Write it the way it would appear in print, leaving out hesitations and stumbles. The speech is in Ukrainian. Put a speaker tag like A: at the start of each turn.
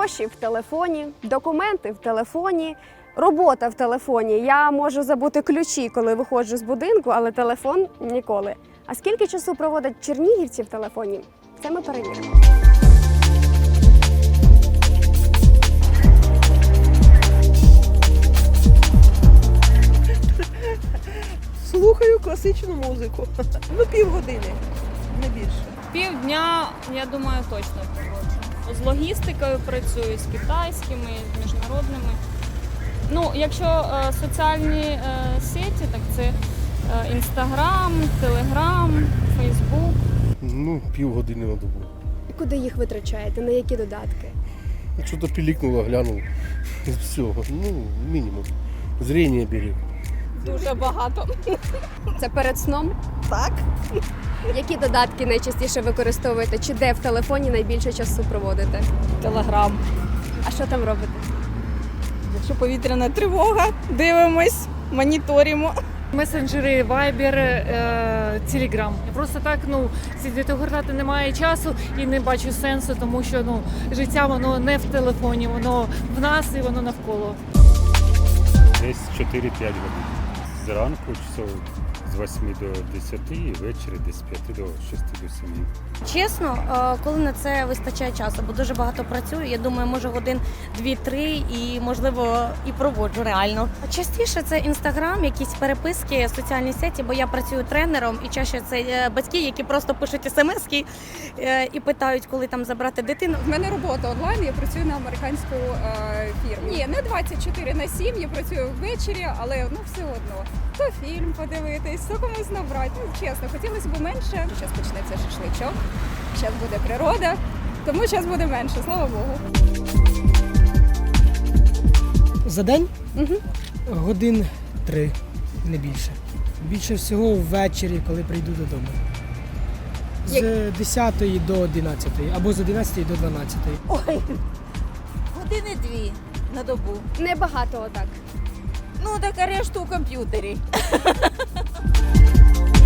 A: Гроші в телефоні, документи в телефоні, робота в телефоні. Я можу забути ключі, коли виходжу з будинку, але телефон ніколи. А скільки часу проводять чернігівці в телефоні? Це ми перевіримо.
B: Слухаю класичну музику. Півгодини, не більше.
C: Півдня, я думаю, точно проводжу. З логістикою працюю, з китайськими, з міжнародними. Ну, якщо соціальні сеті, так це Інстаграм, Телеграм, Фейсбук.
D: Півгодини на добу.
A: І куди їх витрачаєте? На які додатки?
D: Що-то пілікнуло, глянув. Все, мінімум. Зріння берег.
C: Дуже багато.
A: Це перед сном?
B: Так.
A: Які додатки найчастіше використовуєте? Чи де в телефоні найбільше часу проводите?
C: Телеграм.
A: А що там робите?
C: Якщо повітряна тривога, дивимось, моніторимо.
E: Месенджери, Viber, Telegram. Просто так, сидіти гортати немає часу і не бачу сенсу, тому що життя воно не в телефоні, воно в нас і воно навколо.
F: Десь 4-5 годин. Зранку часов з 8 до 10 і ввечері десь з 5 до 6 до 7.
G: Чесно, коли на це вистачає часу, бо дуже багато працюю, я думаю, може годин 2-3 і, можливо, і проводжу реально. Частіше це Інстаграм, якісь переписки, соціальні сеті, бо я працюю тренером і чаще це батьки, які просто пишуть смски і питають, коли там забрати дитину.
H: В мене робота онлайн, я працюю на американську фірму. Ні, не 24/7, я працюю ввечері, але все одно. То фільм подивитись, то комусь набрати. Чесно, хотілося б менше. Зараз почнеться шашличок, зараз буде природа, тому зараз буде менше, слава Богу.
I: За день? Годин 3, не більше. Більше всього ввечері, коли прийду додому. З 10 до 11 або з 11 до 12.
J: Ой, години 2 на добу.
A: Небагато отак.
J: Так а решту у комп'ютері.